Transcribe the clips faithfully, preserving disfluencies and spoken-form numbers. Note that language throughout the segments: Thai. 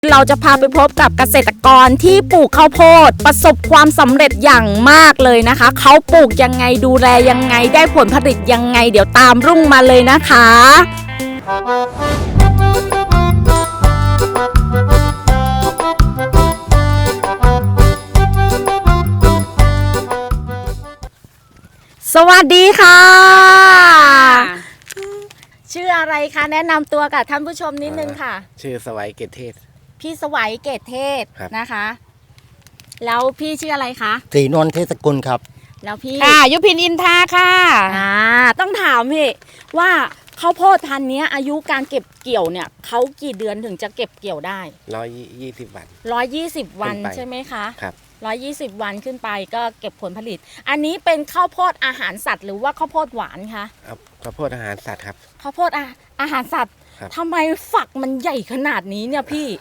เราจะพาไปพบกับเกษตรกรที่ปลูกข้าวโพดประสบความสำเร็จอย่างมากเลยนะคะเขาปลูกยังไงดูแลยังไงได้ผลผลิตยังไงเดี๋ยวตามรุ่งมาเลยนะคะสวัสดีค่ะชื่ออะไรคะแนะนำตัวกับท่านผู้ชมนิดนึงค่ะชื่อสวัยเกตเทศพี่สวัยเกตเทศนะคะแล้วพี่ชื่ออะไรคะศรีนวลเทศกุลครับแล้วพี่ค่ะยุพินอินทาค่ะอ่าต้องถามพี่ว่าข้าวโพดพันธุ์นี้อายุการเก็บเกี่ยวเนี่ยเขากี่เดือนถึงจะเก็บเกี่ยวได้ร้อยยี่สิบวันร้อยยี่สิบวันใช่ไหมคะครับร้อยยี่สิบวันขึ้นไปก็เก็บผลผลิตอันนี้เป็นข้าวโพดอาหารสัตว์หรือว่าข้าวโพดหวานคะข้าวโพดอาหารสัตว์ครับข้าวโพดอาอาหารสัตว์ทำไมฝักมันใหญ่ขนาดนี้เนี่ยพี่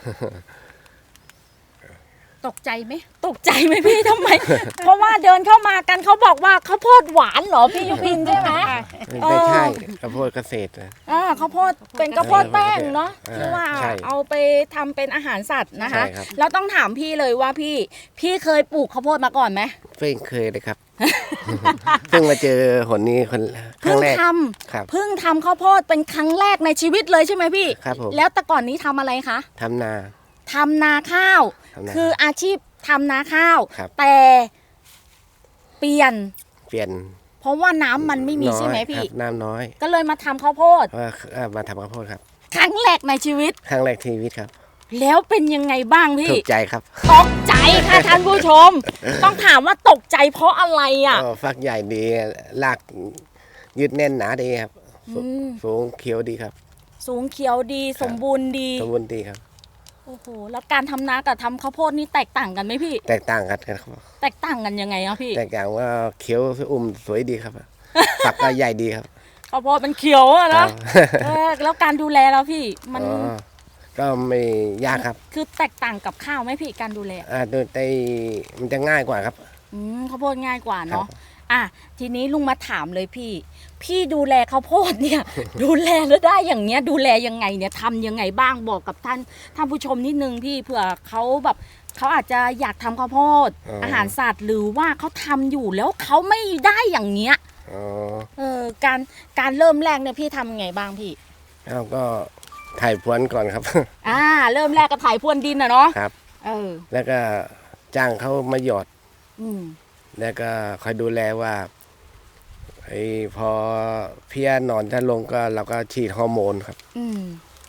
ตกใจไหมตกใจไหมพี่ทำไม เพราะว่าเดินเข้ามากันเขาบอกว่าข้าวโพดหวานเหรอพี่ยุพินใช่ไหมไม่ใช่ข้าวโพดเกษตรอ่าข้าวโพดเป็นข้าวโพดแป้งเนาะที่ว่าเอาไปทำเป็นอาหารสัตว์นะคะแล้วต้องถามพี่เลยว่าพี่พี่เคยปลูกข้าวโพดมาก่อนไหมไม่เคยเลยครับเพิ่งมาเจอหนนี้คนครั้งแรกครับเพิ่งทำข้าวโพดเป็นครั้งแรกในชีวิตเลยใช่ไหมพี่ครับผมแล้วแต่ก่อนนี้ทำอะไรคะทำนาทำนาข้าวคืออาชีพทำนาข้าวแต่เปลี่ยนเปลี่ยนเพราะว่าน้ำมันไม่มีใช่ไหมพี่น้ำน้อยก็เลยมาทำข้าวโพดมาทำข้าวโพดครับครั้งแรกในชีวิตครั้งแรกในชีวิตครับแล้วเป็นยังไงบ้างพี่ตกใจครับตกใจค่ะท่านผู้ชมต้องถามว่าตกใจเพราะอะไรอ่ะฟักใหญ่ดีรากยืดแน่นหนาดีครับสูงเขียวดีครับสูงเขียวดีสมบูรณ์ดีสมบูรณ์ดีครับโอ้โหแล้วการทำนากับทำข้าวโพดนี่แตกต่างกันไหมพี่แตกต่างกันครับแตกต่างกันยังไงอ่ะพี่แตกต่างว่าเขียวอุ่มสวยดีครับฝักก็ใหญ่ดีครับข้าวโพดมันเขียวอะนะแล้วการดูแลแล้วพี่มันก็ไม่ยากครับคือแตกต่างกับข้าวไหมพี่การดูแลอ่าโดยแต่มันจะง่ายกว่าครับอืมข้าวโพดง่ายกว่าเนาะอ่ะทีนี้ลุงมาถามเลยพี่พี่ดูแลข้าวโพดเนี่ยดูแลแล้วได้อย่างเนี้ยดูแลยังไงเนี่ยทำยังไงบ้างบอกกับท่านท่านผู้ชมนิดนึงพี่เผื่อเขาแบบเขาอาจจะอยากทำข้าวโพด อ, อาหารสัตว์หรือว่าเขาทำอยู่แล้วเขาไม่ได้อย่างเงี้ยเออการการเริ่มแรกเนี่ยพี่ทำยังไงบ้างพี่เราก็ถ่ายพรวนก่อนครับอ่าเริ่มแรกก็ถ่ายพรวนดินนะเนาะครับเออแล้วก็จ้างเขามาหยอดอืมแล้วก็คอยดูแลว่าไอ้พอเพี้ยนอนถ้าลงก็เราก็ฉีดฮอร์โมนครับอืม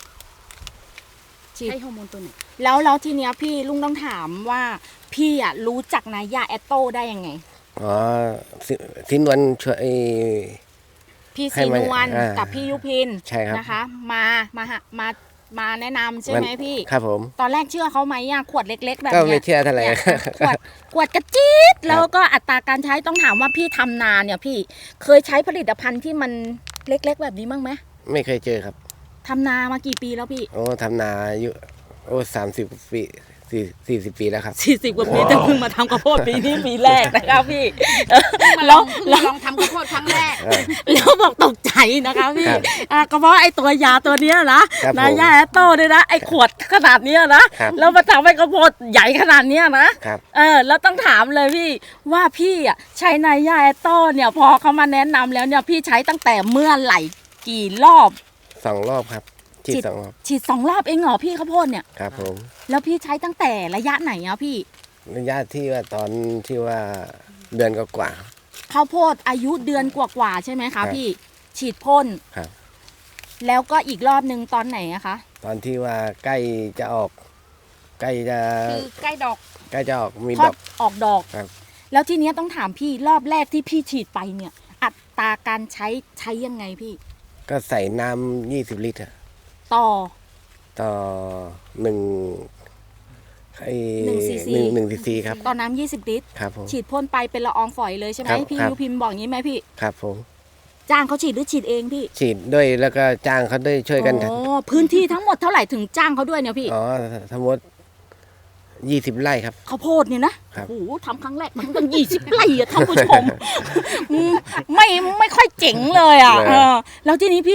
ฉีดฮอร์โมนตัวไหนแล้วแล้วทีเนี้ยพี่ลุงต้องถามว่าพี่อ่ะรู้จักนายาแอตโต้ได้ยังไงอ๋อสินวลช่วยพี่สินวลกับพี่ยุพินใช่ครับนะคะมามามามาแนะนำใช่ไหมพี่ครับผมตอนแรกเชื่อเขาไหมอ่ะขวดเล็กๆแบบนี้ก็ไม่เชื่อเท่าไหร่ขวดขวดกระจี๊ดแล้วก็อัตราการใช้ต้องถามว่าพี่ทำนาเนี่ยพี่เคยใช้ผลิตภัณฑ์ที่มันเล็กๆแบบนี้บ้างไหมไม่เคยเจอครับทำนามากี่ปีแล้วพี่โอ้ทำนาอายุโอ้สามสิบปีสี่สี่สิบปีแล้วครับสี่สิบกว่าปีแต่เพิ่งมาทำข้าวโพดปีนี้ปีแรกนะครับพี่ลองลองทำข้าวโพดครั้งแรกแล้วบอกตกใจนะคะพี่ก็เพราะไอ้ตัวยาตัวเนี้ยนะนายาแอตโต้เนี่ยนะไอ้ขวดขนาดเนี้ยนะแล้วมาทำให้ข้าวโพดใหญ่ขนาดเนี้ยนะเออแล้วต้องถามเลยพี่ว่าพี่อ่ะใช้นายาแอตโต้เนี่ยพอเขามาแนะนำแล้วเนี่ยพี่ใช้ตั้งแต่เมื่อไหร่กี่รอบสองรอบครับฉีดสองรอบฉีดสองรอบเองเหรอพี่ข้าวโพดเนี่ยครับผมแล้วพี่ใช้ตั้งแต่ระยะไหนอ่ะพี่ระยะที่ว่าตอนที่ว่าเดือนกว่าข้าวโพดอายุเดือนกว่าๆใช่ไหมคะพี่ฉีดพ่นครับแล้วก็อีกรอบนึงตอนไหนอะคะตอนที่ว่าใกล้จะออกใกล้จะคือใกล้ดอกใกล้จะออกมีดอกออกดอกครับแล้วทีนี้ต้องถามพี่รอบแรกที่พี่ฉีดไปเนี่ยอัตราการใช้ใช้ยังไงพี่ก็ใส่น้ำยี่สิบลิตรต่อต่อหนึ่งไอ้หนึ่งซีซีหนึ่งซีซีครับต่อน้ำยี่สิบลิตรครับผมฉีดพ่นไปเป็นละอองฝอยเลยใช่ไหมพี่ยูพิมพ์บอกงี้ไหมพี่ครับผมจ้างเขาฉีดหรือฉีดเองพี่ฉีดด้วยแล้วก็จ้างเขาด้วยช่วยกันอ๋อพื้นที่ทั้งหมดเท่าไหร่ถึงจ้างเขาด้วยเนี่ยพี่อ๋อทั้งหมดยี่สิบไร่ครับข้าวโพดเนี่ยนะโอ้โหทำครั้งแรกมันต้องยี่สิบไร่อะท่านผู้ชมไม่ไม่ค่อยเจ๋งเลยอ่ะแล้วทีนี้พี่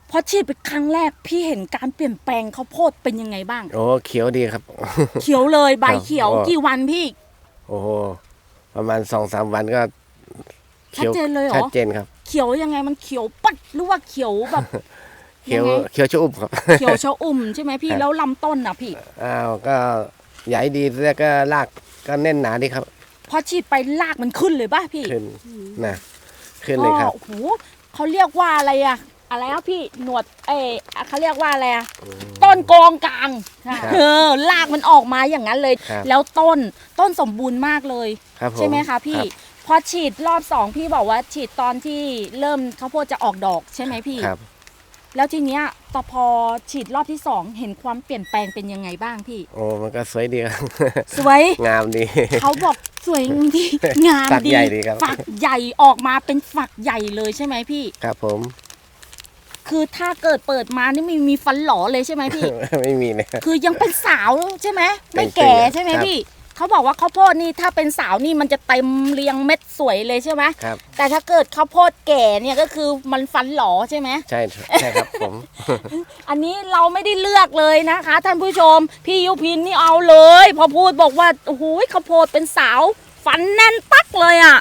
พอฉีดไปครั้งแรกพี่เห็นการเปลี่ยนแปลงข้าวโพดเป็นยังไงบ้างโอ้เขียวดีครับเขียวเลยใบครับเขียวโอ้กี่วันพี่โอ้โหประมาณสองสามวันก็ชัดเจนเลยเหรอชัดเจนครับเขียวยังไงมันเขียวปัดหรือว่าเขียวแบบเขียวยังไงเขียวชะอุ่มครับเขียวชะอุ่มใช่ไหมพี่ครับแล้วลำต้นอ่ะพี่อ้าวก็ใหญ่ดีแล้วก็รากก็แน่นหนาดีครับพอฉีดไปรากมันขึ้นเลยป่ะพี่ขึ้นนะขึ้นเลยครับก็โอ้โหเขาเรียกว่าอะไรอะอะไรอะพี่หนวดเออเขาเรียกว่าอะไรอะต้นกองกลางครับเออรากมันออกมาอย่างนั้นเลยครับแล้วต้นต้นสมบูรณ์มากเลยครับผมใช่ไหมคะพี่รับพอฉีดรอบสองพี่บอกว่าฉีดตอนที่เริ่มข้าวโพดจะออกดอกใช่ไหมพี่ครับแล้วทีเนี้ยตอพอฉีดรอบที่สองเห็นความเปลี่ยนแปลงเป็นยังไงบ้างพี่โอ้มันก็สวยดีครับสวยงามดีเขาบอกสวยดีงามฝักดีใหญ่ดีครับฝักใหญ่ออกมาเป็นฝักใหญ่เลยใช่ไหมพี่ครับผมคือถ้าเกิดเปิดมานี่ไม่มีฟันหลอเลยใช่ไหมพี่ไม่มีเลยคือยังเป็นสาวใช่ไหมไม่เป็นแก่เป็นใช่ไหมครับพี่เขาบอกว่าข้าวโพดนี่ถ้าเป็นสาวนี่มันจะเต็มเรียงเม็ดสวยเลยใช่ไหมครับแต่ถ้าเกิดข้าวโพดแก่เนี่ยก็คือมันฟันหลอใช่ไหมใช่ใช่ครับผมอันนี้เราไม่ได้เลือกเลยนะคะท่านผู้ชมพี่ยุพินนี่เอาเลยพอพูดบอกว่าโอ้โหข้าวโพดเป็นสาวฟันแน่นปักเลยอ่ะ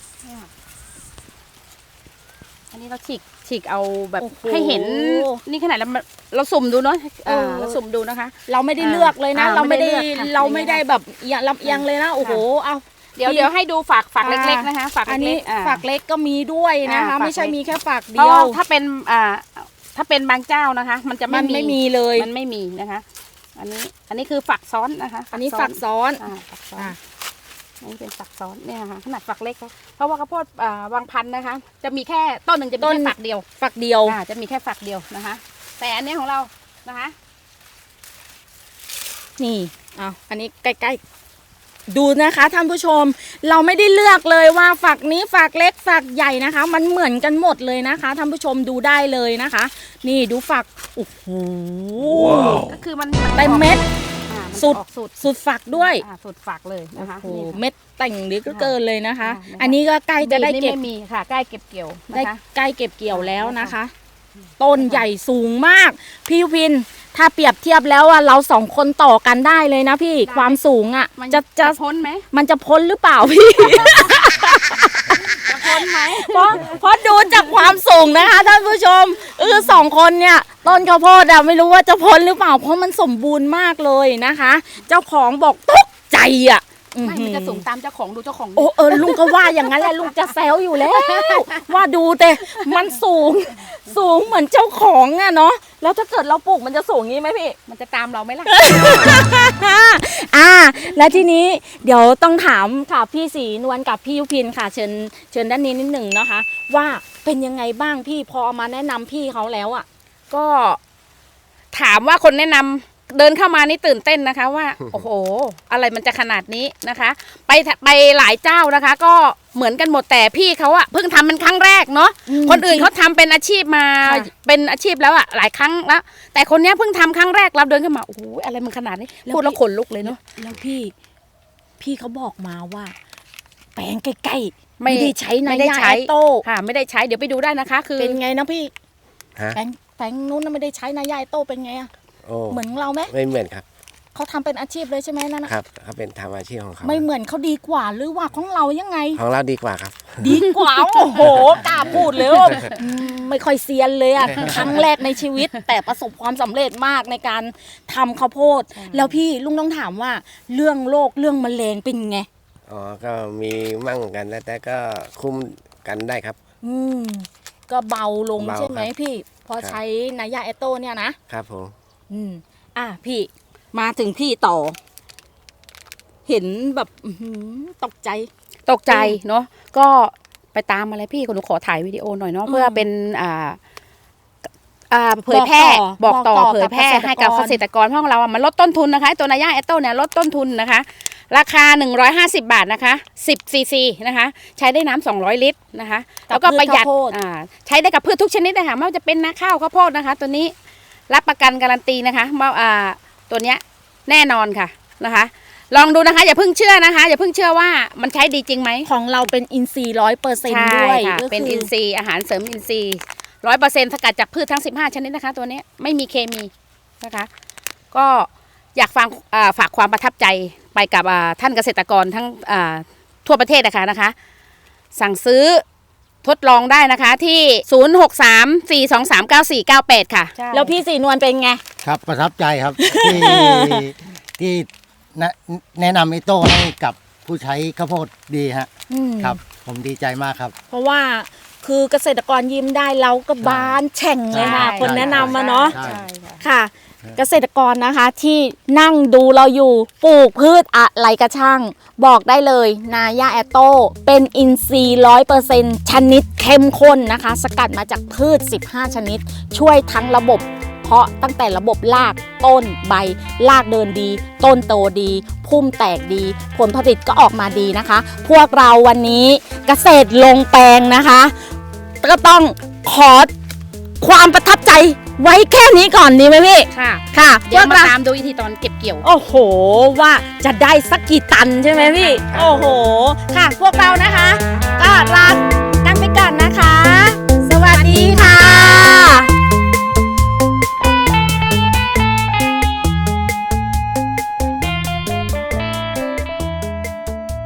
อันนี้เราฉีกฉีกเอาแบบโอ้โหให้เห็นนี่ขนาดเราเราสุ่มดูเนาะเอออ่าเราสุ่มดูนะคะเราไม่ได้เลือกเลยนะอ่าเราไม่ได้ไม่ได้เลือกค่ะเราไม่ได้แบบเอียงลำเอียงเลยนะโอ้โหเอาเดี๋ยวพี่เดี๋ยวให้ดูฝักฝักอ่าเล็กๆนะคะฝักอันเล็นี้กๆอ่าฝักเล็กก็มีด้วยนะคะอ่าฝักไม่ใช่เล็กมีแค่ฝักเพเดีราะยวถ้าเป็นอ่าถ้าเป็นบางเจ้านะคะ มันจะมัไม่นไม่มีเลยมันไม่มีนะคะ อันนี้อันนี้คือฝักซ้อนนะคะอันนี้ฝักซ้อนอ่าฝักซ้อนอ่ะอันนี้เป็นฝักซ้อนเนี่ยค่ะขนาดฝักเล็กนะเพราะว่าข้าวโพดอ่าบางพันธุ์นะคะ จะมีแค่ต้นหนึ่งจะมีต้นแค่ฝักเดียวฝักเดียวอ่าจะมีแค่ฝักเดียวนะคะ แต่อันนี้ของเรานะคะนี่เอาอันนี้ใกล้ๆดูนะคะท่านผู้ชม เราไม่ได้เลือกเลยว่าฝักนี้ฝักเล็กฝักใหญ่นะคะ มันเหมือนกันหมดเลยนะคะท่านผู้ชมดูได้เลยนะคะ นี่ดูฝักโอ้โหก็คือมันเต็มเม็ดอ่ามันสุดออกสุดสุดฝักด้วยอ่าสุดฝักเลยนะคะโอ้โหนี่ค่ะเม็ดแต่งหรือก็เกินเลยนะคะอ่านะคะอันนี้ก็ใกล้จะได้นี่เก็บไม่มีค่ะใกล้เก็บเกี่ยวได้นะคะใกล้เก็บเกี่ยวแล้วนะคะ ต้นใหญ่สูงมาก พี่ยุพินถ้าเปรียบเทียบแล้วอะเราสองคนต่อกันได้เลยนะพี่ความสูงอะมันจะจะพ้นไหมมันจะพ้นหรือเปล่าพี่จะพ้นไหมเพราะเพราะดูจากความสูงนะคะท่านผู้ชมเออสองคนเนี่ยต้นข้าวโพดอะไม่รู้ว่าจะพ้นหรือเปล่า เพราะมันสมบูรณ์มากเลยนะคะ เจ้าของบอกตกใจอะไม่มันจะสูงตามเจ้าของดูเจ้าของโอ้เออลุงก็ว่าอย่างนั้นแหละลุงจะแซวอยู่แล้ว ว่าดูแต่มันสูง สูงเหมือนเจ้าของอะเนาะแล้วถ้าเกิดเราปลูกมันจะสูงงี้ไหมพี่มันจะตามเราไหมล่ะอ่าและทีนี้เดี๋ยวต้องถามค่ะพี่ศรีนวลกับพี่ยุพินค่ะเชิญเชิญด้านนี้นิดหนึ่งนะคะ ว่าเป็นยังไงบ้างพี่พอเอามาแนะนำพี่เขาแล้วอ่ะก็ถามว่าคนแนะนำเดินเข้ามานี่ตื่นเต้นนะคะว่า โอ้โห อะไรมันจะขนาดนี้นะคะ ไปไปหลายเจ้านะคะ ก็เหมือนกันหมดแต่พี่เขาอะเพิ่งทำเป็นครั้งแรกเนาะอืมคนอื่นเขาทำเป็นอาชีพมาค่ะเป็นอาชีพแล้วอะหลายครั้งแล้วแต่คนเนี้ยเพิ่งทำครั้งแรกเราเดินเข้ามาโอ้โหอะไรมันขนาดนี้พูดแล้วขนลุกเลยเนาะแล้วพี่พี่เขาบอกมาว่า แปลงใกล้ๆไม่ไม่ได้ใช้นาไม่ได้ยาใช้แอตโต้ค่ะ ไม่ได้ใช้เดี๋ยวไปดูได้นะคะ คือเป็นไงนะพี่ฮะแปลงแปลงนู้นน่ะไม่ได้ใช้นายาแอตโต้เป็นไงอะโอ้เหมือนเราไหมไม่เหมือนครับเขาทำเป็นอาชีพเลยใช่ไหมนั่นนะครับเขาเป็นทำอาชีพของเขาไม่เหมือนเขาดีกว่าหรือว่าของเรายังไงของเราดีกว่าครับดีกว่า โอ้โหกล้าพูดเลยว่าอืมไม่ค่อยเซียนเลยอะครั้งแรกในชีวิต แต่ประสบความสำเร็จมากในการทำข้าวโพด แล้วพี่ลุงต้องถามว่าเรื่องโรคเรื่องแมลงเป็นไงอ๋อก็มีมั่งกันแต่ก็คุ้มกันได้ครับอืมก็เบาลงเบาใช่ไหมครับพี่ พอครับใช้นายาแอตโตเนี่ยนะครับผมอืมอ่ะพี่มาถึงพี่ต่อ เห็นแบบอื้อหือตกใจตกใจเนาะก็ไปตามมาเลยพี่คนหนูขอถ่ายวิดีโอหน่อยเนาะอืมเพื่อเป็นอ่าอ่าเผยแพร่บบ ออก กต่ต่ออเผยแพร่กับเกษตรกรให้กับเกษตรกรเพราะของเราอ่ะมันลดต้นทุนนะคะตัวนายาแอตโต้เนี่ยลดต้นทุนนะคะ ราคาหนึ่งร้อยห้าสิบบาทนะคะสิบซีซีนะคะ ใช้ได้น้ำสองร้อยลิตรนะคะ แล้วก็ประหยัดพืชข้าวโพดอ่าใช้ได้กับพืชทุกชนิดนะคะไม่ว่าจะเป็นนาข้าวข้าวโพดนะคะ ตัวนี้รับประกันการันตีนะคะว่าอ่าตัวเนี้ยแน่นอนค่ะนะคะ ลองดูนะคะอย่าเพิ่งเชื่อนะคะอย่าเพิ่งเชื่อว่ามันใช้ดีจริงไหมของเราเป็นอินทรีย์ร้อยเปอร์เซ็นต์ใช่ด้วยค่ะก็เป็นคือินทรีย์อาหารเสริมอินทรีย์ร้อยเปอร์เซ็นต์สกัดจากพืชทั้งสิบห้าชนิดนะคะ ตัวนี้ไม่มีเคมีนะคะ ก็อยากฟังอ่าฝากความประทับใจไปกับอ่าท่านเกษตรกรทั้งอ่าทั่วประเทศนะคะนะคะ สั่งซื้อทดลองได้นะคะที่ ศูนย์ หก สาม สี่ สอง สาม เก้า สี่ เก้า แปด ค่ะแล้วพี่สีนวลเป็นไงครับประทับใจครับ ที่ที่แนะแนะนำไอโต้ให้กับผู้ใช้ข้าวโพดดีฮะอืมครับ ผมดีใจมากครับเพราะว่าคือเกษตรกรยิ้มได้เราก็บานแฉ่งเลยค่ะใช่คนแนะนำมาเนาะใช่ค่ะ เกษตรกรนะคะที่นั่งดูเราอยู่ปลูกพืชอะไรกระช่าง บอกได้เลยนาย่าแอตโตเป็นอินทรีย์ร้อยเปอร์เซ็นต์ชนิดเข้มข้นนะคะ สกัดมาจากพืชสิบห้าชนิด ช่วยทั้งระบบ เพราะตั้งแต่ระบบรากต้นใบรากเดินดี ต้นโตดี พุ่มแตกดี ผลผลิตก็ออกมาดีนะคะ พวกเราวันนี้เกษตรลงแปลงนะคะ ก็ต้องขอความประทับใจไว้แค่นี้ก่อนดีไหมพี่ค่ะค่ะเดี๋ยวพกมาเราตามดูวิธีตอนเก็บเกี่ยวโอ้โห ว่าจะได้สักกี่ตันใช่ไหมพี่ โอ้โห ค่ะ พวกเรานะคะ ก็ลา